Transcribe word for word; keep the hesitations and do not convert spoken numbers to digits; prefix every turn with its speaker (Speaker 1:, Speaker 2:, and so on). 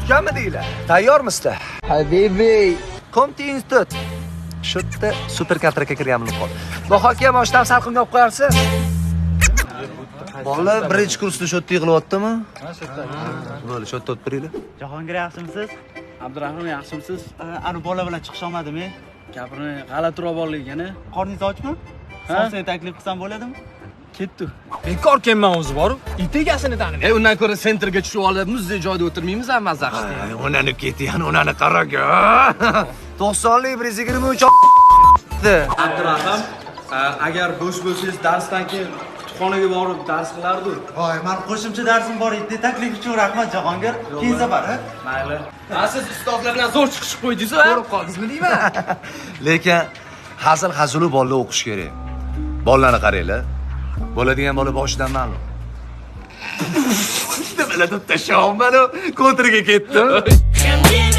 Speaker 1: tutganmi deylar? Tayyormisizlar?
Speaker 2: Habibiy.
Speaker 1: Komti institut. Shu yerda super kontrakka kirganimni qol. Bahorga boshdan salqinga olib qo'yarsiz. Bolalar birinchi kursda shu yerda yig'layaptimi? Ha, shu yerda. Bo'ldi, shu yerda o'tiringlar.
Speaker 3: Jahongir yaxshimisiz? Abdurahmon yaxshimisiz? Ani bola bilan chiqish olmadimi? Gapini g'alatiroq borligini. Qorningiz ochmi? Sonsiga taklif qilsam bo'ladimi? Ketdi.
Speaker 4: Bekor kelman o'zi bor. It egasini tanidi.
Speaker 5: E undan ko'ra sentrga tushib olib, muzdek joyda o'tirmaymiz, ham mazza qilib.
Speaker 1: Onani ketgan, onani qaraga. to'qsonlik bir yuz yigirma uch
Speaker 3: Abdurahmon, agar bo'sh bo'lsangiz darsdan keyin kutubxonaga borib dars qilardi. Voy, men qo'shimcha darsim bor edi. Taklif uchun rahmat Jahongir. Keyin safar, ha? Mayli.
Speaker 5: Ha, siz ustozlar bilan zo'r chiqishib qo'ydingiz-ku.
Speaker 1: Ko'rib qoldingizmi deyman. Lekin hazil hazulu bolalar o'qish kerak. Bolalarni qaranglar. Bo'ladigan bola boshidan ma'lum. Nimalar deb tashlab, mana kontriga ketdim.